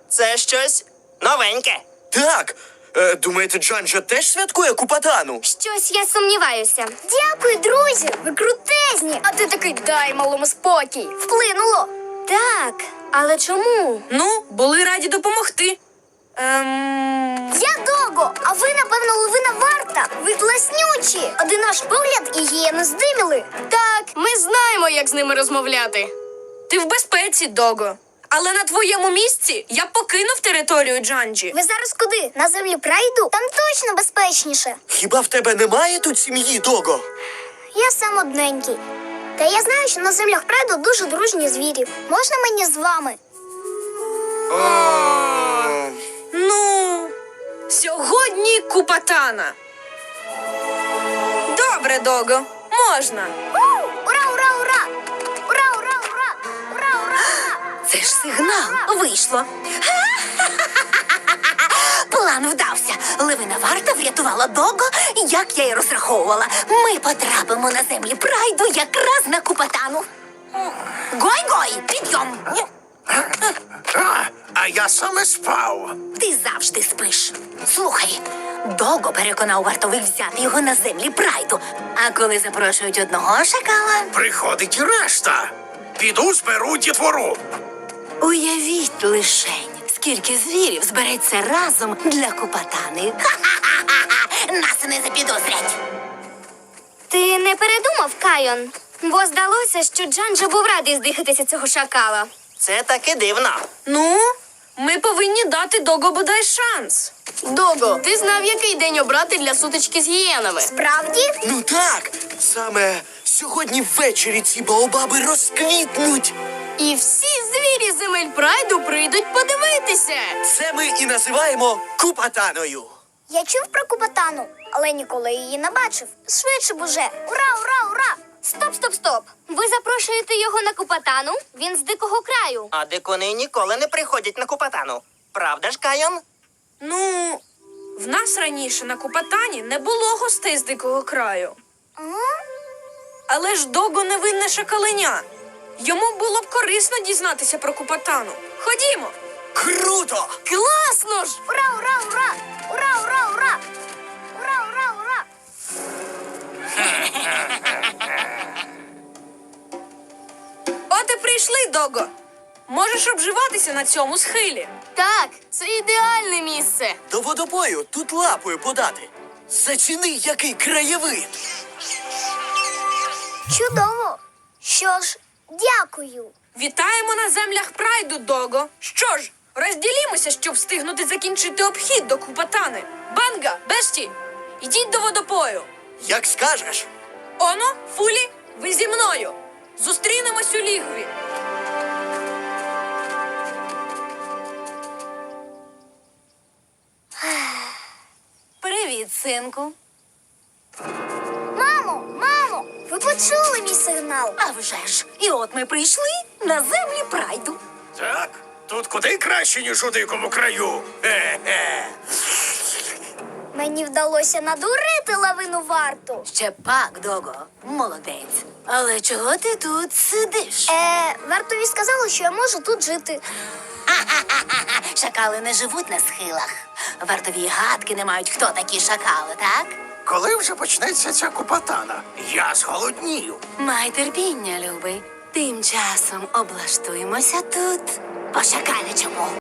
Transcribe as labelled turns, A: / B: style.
A: Це щось новеньке.
B: Так. Думаєте, Джанджа теж святкує Купатану?
C: Щось я сумніваюся. Дякую, друзі! Ви крутезні! А ти такий дай малому спокій. Вплинуло. Так, але чому?
D: Ну, були раді допомогти.
C: Я Дого, а ви, напевно, левина варта. Ви класнючі. Один наш погляд і її не здиміли.
D: Так, ми знаємо, як з ними розмовляти. Ти в безпеці, Дого. Але на твоєму місці я б покинув територію Джанджі.
C: Ви зараз куди? На землі прайду? Там точно безпечніше.
B: Хіба в тебе немає тут сім'ї, Дого?
C: Я сам одненький. Та я знаю, що на землях прайду дуже дружні звірі. Можна мені з вами?
D: Ну, сьогодні Купатана. Добре, Дого, можна.
C: Ура, ура, ура! Ура, ура, ура! Ура, ура, ура!
E: Це ж сигнал. Вийшло. План вдався. Левина варта врятувала Дого, як я й розраховувала. Ми потрапимо на землі прайду якраз на Купатану. Гой-гой, підйом.
F: А я саме спав.
E: Ти завжди спиш. Слухай, Дого переконав вартових взяти його на землі прайду. А коли запрошують одного шакала...
F: Приходить і решта. Піду зберу дітвору.
E: Уявіть лишень, скільки звірів збереться разом для Купатани. Ха-ха-ха-ха! Нас не запідозрять.
C: Ти не передумав, Кайон? Бо здалося, що Джанджа був радий здихатися цього шакала.
A: Це таки дивно.
D: Ну, ми повинні дати Дого бодай шанс. Дого, ти знав, який день обрати для сутички з гієнами?
C: Справді?
B: Ну так. Саме сьогодні ввечері ці баобаби розквітнуть.
D: І всі звірі земель прайду прийдуть подивитися.
B: Це ми і називаємо Купатаною.
C: Я чув про Купатану, але ніколи її не бачив. Швидше б уже. Ура, ура, ура! Стоп, стоп, стоп. Ви запрошуєте його на Купатану? Він з дикого краю.
A: А дикуни ніколи не приходять на Купатану. Правда ж, Кайон?
D: Ну, в нас раніше на Купатані не було гостей з дикого краю. Але ж Дого невинне шакаленя. Йому було б корисно дізнатися про Купатану. Ходімо.
B: Круто!
D: Класно ж!
C: Ура, ура, ура! Ура, ура, ура! Ура, ура, ура!
D: От і прийшли, Дого. Можеш обживатися на цьому схилі. Так, це ідеальне місце.
B: До водопою тут лапою подати. Заціни, який краєвид.
C: Чудово! Що ж, дякую.
D: Вітаємо на землях прайду, Дого. Що ж, розділімося, щоб встигнути закінчити обхід до Купатани. Банга, Бешті, ідіть до водопою.
B: Як скажеш.
D: Оно, Фулі, ви зі мною. Зустрінемось у лігві.
E: Привіт, синку.
C: Мамо, мамо, ви почули мій сигнал?
E: А вже ж, і от ми прийшли на землі прайду.
F: Так, тут куди краще, ніж у дикому краю. Хе-хе.
C: Мені вдалося надурити лавину варту.
E: Ще пак, Дого, молодець. Але чого ти тут сидиш?
C: Вартові сказали, що я можу тут жити.
E: Ха-ха-ха-ха. Шакали не живуть на схилах. Вартові гадки не мають, хто такі шакали, так?
F: Коли вже почнеться ця Купатана? Я зголоднію.
E: Май терпіння, любий. Тим часом облаштуємося тут. По шакалячому.